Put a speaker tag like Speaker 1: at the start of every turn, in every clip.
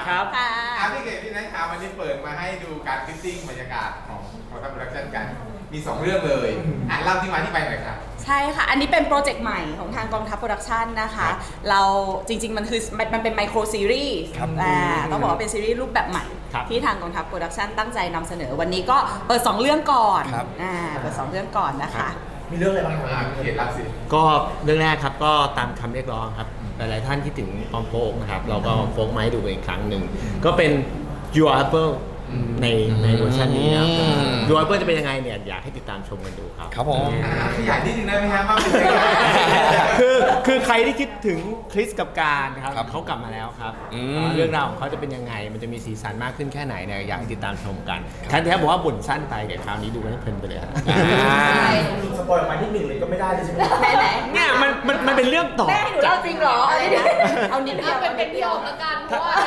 Speaker 1: ครับ
Speaker 2: พี่เก๋พี่นัทครับวันนี้เปิดมาให้ดูการฟิตติ้งบรรยากาศของทำโปรดักชั่นกันมี2เรื่องเลยเล่าที่มาที่ไปหน่อยครับ
Speaker 3: ใช่ค่ะ อันนี้เป็นโปรเจกต์ใหม่ของทางกองทัพโปรดักชันนะคะ เราจริงๆมันเป็นไมโครซีรีส์ต้องบอกว่าเป็นซีรีส์รูปแบบใหม่ที่ทางกองทัพโปรดักชันตั้งใจนำเสนอวันนี้ก็เปิด2เรื่องก่อนเปิด2เรื่องก่อนนะคะ
Speaker 4: มีเรื่องอะไรบ้างครับ
Speaker 2: เขียนรับสิ
Speaker 1: ก็เรื่องแรกครับก็ตามคำเรียกร้องครับหลายๆท่านคิดถึงออมโฟกนะครับเราก็โฟกมาให้ดูอีกครั้งหนึ่งก็เป็น Your Apple ในเวอร์ชันนี้ครับ Your Apple จะเป็นยังไงเนี่ยอยากให้ติดตามชมกันดูครับ
Speaker 4: ครับผม
Speaker 2: ขยายนิดนึงได้ไหมครับว่าเป็นยังไง
Speaker 1: คือใครที่คิดถึงคริสกับการนะครับเขากลับมาแล้วครับเรื่องราวของเขาจะเป็นยังไงมันจะมีสีสันมากขึ้นแค่ไหนเนี่ยอยากให้ติดตามชมกันท่านแท้บอกว่าบ่นสั้นไปเดี๋ยวคราวนี้ดูกันให้เพลินไปเลยครับ
Speaker 4: สปอยล์ออกมาที่1เลยก็ไม่ได้เลยใช่ไหม
Speaker 1: เนี่ยมันเป็นเรื่องต่อ
Speaker 3: แม่ให้หนูเล่าจริงเหรอเอานิดเดียว
Speaker 5: เป็นพี่ออกละกันเพราะว่า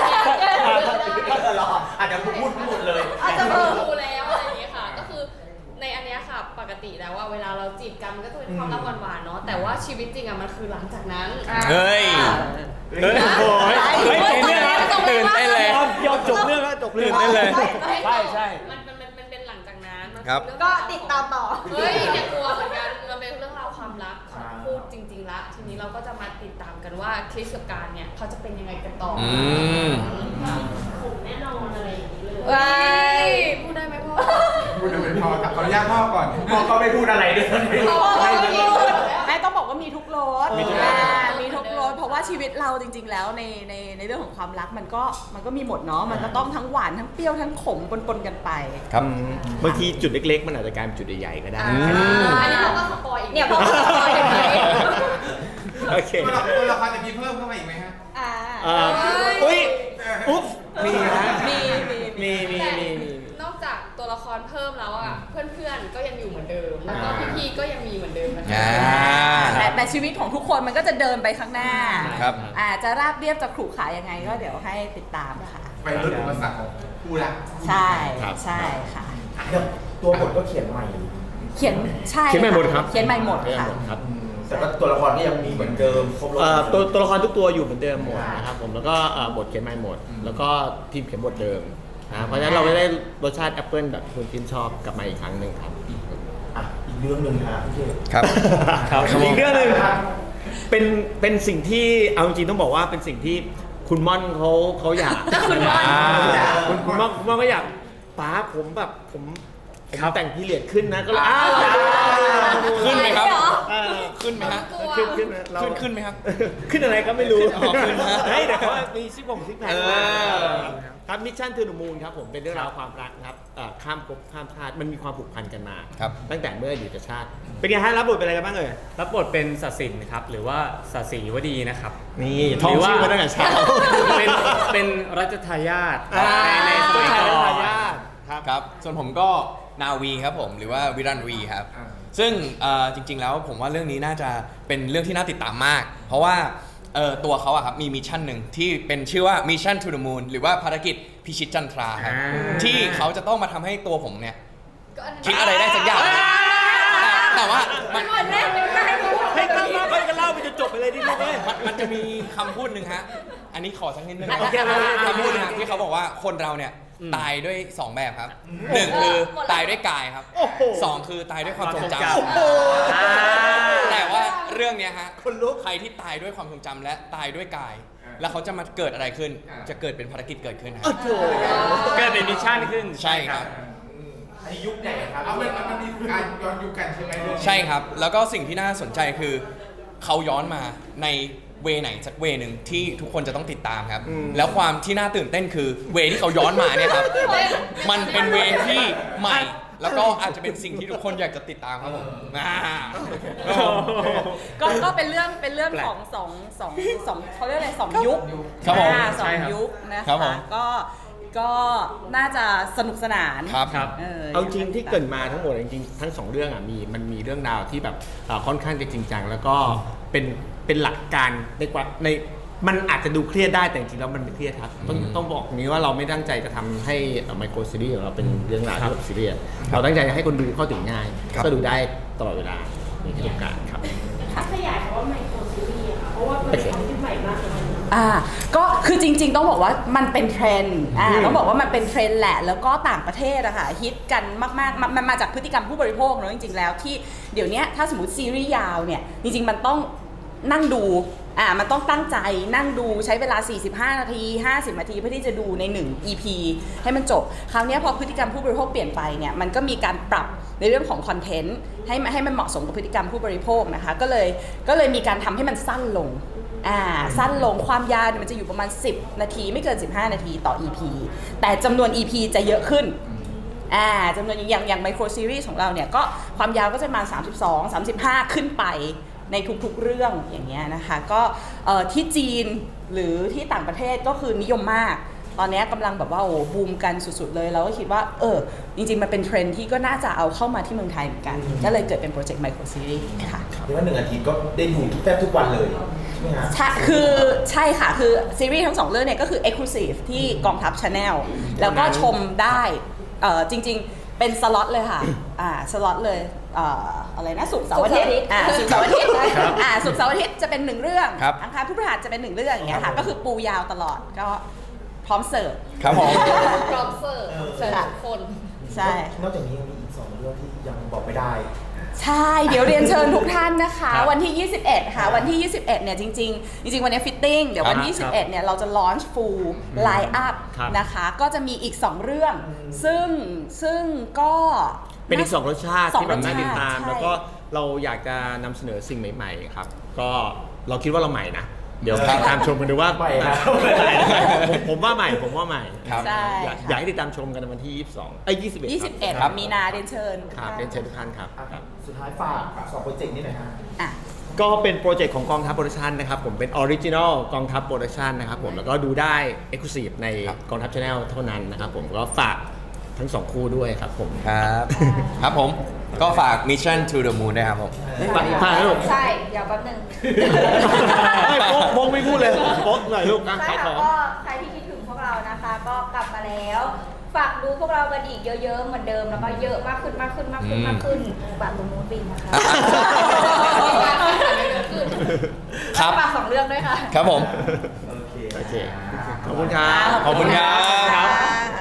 Speaker 4: อาจจะพูดหมดเลย
Speaker 5: อาจจะรู้แล้วอะไรอย่างเงี้ยค่ะก็คือในอันเนี้ยค่ะปกติแล้วว่าเวลาเราจีบกันมันก็จะเป็นความรักหวานๆเนาะแต่ว่าชีวิตจริงอะมันคือหลังจากนั้น
Speaker 4: เฮ้ย
Speaker 1: โอ้ยจบเรื่องแล้วตื่นเต้นเลยยอมจบเรื่องแล้วจบเรื่องได้เลยใช่
Speaker 5: มันเป็นหลังจากนั้น
Speaker 3: ก็ติดตามต่อ
Speaker 5: เฮ้ยเนี่ยกลัวเหมือนกันมันเป็นเรื่องราวความรักของคู่จริงๆละทีนี้เราก็จะมาติดตามกันว่าคริสกับการเนี่ยเขาจะเป็นยังไงกันต่อผมแน่นอนอะไรอย่างนี้เลยพูดได้ไหมพ่อ
Speaker 2: พูดเป็นพ่อขออนุญาตพ่อก่อน
Speaker 4: พ่อก็ไม่พูดอะไรด้วย
Speaker 3: แม่ต้องบอกว่ามีทุกรสมีทุกรสเพราะว่าชีวิตเราจริงๆแล้วในเรื่องของความรักมันก็มีหมดเนาะมันก็ต้องทั้งหวานทั้งเปรี้ยวทั้งขมปนๆกันไป
Speaker 1: ครับบางทีจุดเล็กๆมันอาจจะกลายเป็นจุดใหญ่ๆก็ได้
Speaker 5: อันนี้เราก็สปอยอีก
Speaker 3: เนี่ยพอสปอยอย่างนี้
Speaker 1: โอเค
Speaker 2: ตัวละครจะมีเพิ่มเข้ามาอีกไหมฮะ
Speaker 1: อุ๊ยอุ๊บมีนะมี
Speaker 5: นอกจากตัวละครเพิ่มแล้วอ่ะเพื่อนๆก็ยังอยู่เหมือนเดิมแล้วก็พี่ๆก็ยังมีเหมือนเดิมนะคะ
Speaker 3: แต่ชีวิตของทุกคนมันก็จะเดินไปข้างหน้า
Speaker 4: ครับ
Speaker 3: จะราบเรียบจะขรุขระยังไงก็เดี๋ยวให้ติดตามค่ะ
Speaker 2: ไปลดอุปสรรคของคู่รัก
Speaker 3: ใช่ค่ะ
Speaker 4: ตัวบทก็เขียนใหม่
Speaker 3: เขียนใหม่หมดครับเขียนใหม่หมดค่ะ
Speaker 4: แต่ว่าตัวละครก็ยังมีเหมือนเดิมครบรถ
Speaker 1: ตัวละครทุกตัวอยู่เหมือนเดิมหมดนะครับผมแล้วก็บทเขียนใหม่หมดแล้วก็ทีมเขียนบทเดิมนะเพราะฉะนั้นเราไม่ได้รสชาติแอปเปิลแบบที่คุณกินชอบกลับมาอีกครั้งหนึ่งครับ
Speaker 4: อีกเรื่องหนึ่งครับพี่
Speaker 1: ครับอีกเรื่องหนึ่งเป็นสิ่งที่เอาจริงๆต้องบอกว่าเป็นสิ่งที่คุณม่อนเขาอยาก
Speaker 3: คุณม่
Speaker 1: อนก็อยากป้าผมแบบผมแต่งพีเรียดขึ้นนะก็เลย
Speaker 4: ขึ้นไหมครับขึ้นไหมฮะ
Speaker 1: ขึ้นไหมครับขึ้นอะไรก็ไม่รู้ขึ้นนะแต่เขามีซิกแพคครับมิชชั่นทูนูมูนครับผมเป็นเรื่องราวความรักครับข้ามภพข้ามชาติมันมีความผูกพันกันมาตั้งแต่เมื่ออยู่กับชาติเป็นไงฮะรับบทเป็นอะไรกันบ้างเอ่ย
Speaker 6: รับบทเป็นศศินครับหรือว่าศศิวดีนะครับ
Speaker 1: นี่ท่องชื่อมาตั้งแต่เช้า
Speaker 6: เป็นรัชทายาท
Speaker 1: ในตัวชายรัชทายาท
Speaker 7: ครับส่วนผมก็นาวีครับผมหรือว่าวิรันวีครับซึ่งจริงๆแล้วผมว่าเรื่องนี้น่าจะเป็นเรื่องที่น่าติดตามมากเพราะว่าตัวเขาอะครับมีมิชชั่นหนึ่งที่เป็นชื่อว่า Mission to the Moon หรือว่าภารกิจพิชิตจันทราครับที่เขาจะต้องมาทำให้ตัวผมเนี่ยคิดอะไรได้สักอย่างแต่ว่ามัน
Speaker 1: ให้ตั้งมาไปกันเล่าไปจนจบไปเลยดิลูกเอ้ย
Speaker 7: มันจะมีคำพูดหนึ่งฮะอันนี้ขอสักนิดนึงคำพูดนึงที่เขาบอกว่าคนเราเนี่ยตายด้วย2แบบครับ1คือตายด้วยกายครับ2คือตายด้วยความทรงจำแต่ว่าเรื่องนี้ฮะใครที่ตายด้วยความทรงจำและตายด้วยกายแล้วเขาจะมาเกิดอะไรขึ้นจะเกิดเป็นภารกิจเกิดขึ้นครับ
Speaker 6: เกิดเป็นมิชชั่นขึ้น
Speaker 7: ใช่ครับ
Speaker 4: ในยุคไหนครับ
Speaker 2: มันมีการย้อนยุคกันใช่ไหม
Speaker 7: ใช่ครับแล้วก็สิ่งที่น่าสนใจคือเขาย้อนมาในเวไหนสักเวหนึ่งที่ทุกคนจะต้องติดตามครับแล้วความที่น่าตื่นเต้นคือเวที่เขาย้อนมาเนี่ยครับมันเป็นเวที่ใหม่แล้วก็อาจจะเป็นสิ่งที่ทุกคนอยากจะติดตามครับผม
Speaker 3: ก็เป็นเรื่องของสองเขาเรียกอะไร2 ยุค
Speaker 7: ครับผม
Speaker 3: 2 ยุคนะคะก็น่าจะสนุกสนาน
Speaker 7: ครับ
Speaker 1: เอาจริงที่เกิดมาทั้งหมดจริงๆทั้ง2เรื่องอ่ะมันมีเรื่องราวที่แบบค่อนข้างจะจริงจังแล้วก็เป็นหลักการในมันอาจจะดูเครียดได้แต่จริงๆแล้วมันไม่เครียดครับต้องบอกนี้ว่าเราไม่ตั้งใจจะทำให้ไมโครซีรีส์ของเราเป็นเรื่องราวที่แบบซีเรียสเราตั้งใจจะให้คนดูเข้าถึงง่ายก็ดูได้ตลอดเวลาในทุกการครับ
Speaker 5: ขยายคำว่าไมโครซีรีส์เพราะว่าเป็นความคิดใหม่มากเลย
Speaker 3: ก็คือจริงๆต้องบอกว่ามันเป็นเทรนด์ต้องบอกว่ามันเป็นเทรนด์แหละแล้วก็ต่างประเทศอะค่ะฮิตกันมากๆมันมาจากพฤติกรรมผู้บริโภคเนอะจริงๆแล้วที่เดี๋ยวนี้ถ้าสมมติซีรีส์ยาวเนี่ยจริงๆมันต้องนั่งดูมันต้องตั้งใจนั่งดูใช้เวลา45นาที50นาทีเพื่อที่จะดูใน1 EP ให้มันจบคราวนี้พอพฤติกรรมผู้บริโภคเปลี่ยนไปเนี่ยมันก็มีการปรับในเรื่องของคอนเทนต์ให้มันเหมาะสมกับพฤติกรรมผู้บริโภคนะคะก็เลยมีการทำให้มันสั้นลงสั้นลงความยาวเนี่ยมันจะอยู่ประมาณ10นาทีไม่เกิน15นาทีต่อ EP แต่จำนวน EP จะเยอะขึ้นจำนวนอย่างไมโครซีรีส์ของเราเนี่ยก็ความยาวก็จะประมาณ32-35ขึ้นไปในทุกๆเรื่องอย่างเงี้ยนะคะก็ที่จีนหรือที่ต่างประเทศก็คือนิยมมากตอนนี้กำลังแบบว่าบูมกันสุดๆเลยเราก็คิดว่าจริงๆมันเป็นเทรนด์ที่ก็น่าจะเอาเข้ามาที่เมืองไทยเหมือนกันก็เลยเกิดเป็นโปรเจกต์ไมโครซีรีส์ค่ะ
Speaker 8: เรียกว่า1 อาทิตย์ก็ได้ดูแทบทุกวันเลยใช่ไหมฮะ
Speaker 3: ใช่ค่ะคือซีรีส์ทั้ง2เรื่องเนี่ยก็คือ Exclusive ที่กองทัพ Channel แล้วก็ชมได้จริงๆเป็นสล็อตเลยค่ะสล็อตเลยอะไรนะศุกร์เสาร์อาทิตย์ศุกร์เสาร์อาทิตย์ศุกร์เสาร์อาทิตย์จะเป็น1เรื่องอังคารพฤหัสจะเป็น1เรื่องอย่างเงี้ยค่ะก็คือปูยาวตลอดก็พร้อมเสิร์ฟ
Speaker 7: ครับผม
Speaker 5: พร้อมเสิร์ฟเสิร์ฟทุกคน
Speaker 3: ใช่
Speaker 8: นอกจากนี้ยังมีอีก2 เรื่องที่ยังบอกไม่ได้
Speaker 3: ใช่เดี๋ยวเรียนเชิญทุกท่านนะคะวันที่ 21 ค่ะวันที่ 21 เนี่ยจริงๆวันนี้ฟิตติ้งเดี๋ยววันที่ 21 เนี่ยเราจะลอนช์ฟูลไลน์อัพนะคะก็จะมีอีก2เรื่องซึ่งก็
Speaker 1: เป็นอีก2รสชาติที่แบบน่าติดตาม
Speaker 3: ใช่
Speaker 1: แล้วก็เราอยากจะนำเสนอสิ่งใหม่ๆครับก็เราคิดว่าเราใหม่นะเดี๋ยวติดตามชมกันดูว่า
Speaker 8: ใหม่ครับ
Speaker 1: ผมว่าใหม่
Speaker 7: ครับ
Speaker 3: ใช่
Speaker 1: อยากให้ติดตามชมกันในวันที่21
Speaker 3: 21 มีนาเรียนเชิญ
Speaker 1: ครับเรียนเชิญทุกท่านครับ
Speaker 8: สุดท้ายฝาก2 โปรเจกต์นี้หน่อยฮะ
Speaker 3: อ่ะ
Speaker 1: ก็เป็นโปรเจกต์ของกองทัพโปรดักชันนะครับผมเป็นออริจินอลกองทัพโปรดักชันนะครับผมแล้วก็ดูได้ Exclusive ในกองทัพชาแนลเท่านั้นนะครับผมก็ฝากทั้ง2คู่ด้วยครับผม
Speaker 7: ครับครับผมก็ฝาก Mission to the Moon ด้วยครับผม
Speaker 1: ฝากให้ลูก
Speaker 9: ใช่ เดี๋ยวแป๊บนึง
Speaker 1: โป๊กไม่พูดเลยโป๊กหน่อยลูกนะ
Speaker 9: ใช่
Speaker 1: ขายข
Speaker 9: ค่ะ
Speaker 1: อง
Speaker 9: ก็ใครที่คิดถึงพวกเรานะคะ ก็กลับมาแล้ว ฝากดูพวกเรากันอีกเยอะๆเหมือนเดิมแล้วก็เยอะมากขึ้นฝากตรงนู้นบินนะคะ
Speaker 7: ครับ
Speaker 9: ฝาก2 เรื่องด้วยค่ะ
Speaker 7: ครับผม
Speaker 1: โอเค ขอบคุณครับ
Speaker 7: ขอบคุณครับ
Speaker 3: อ่า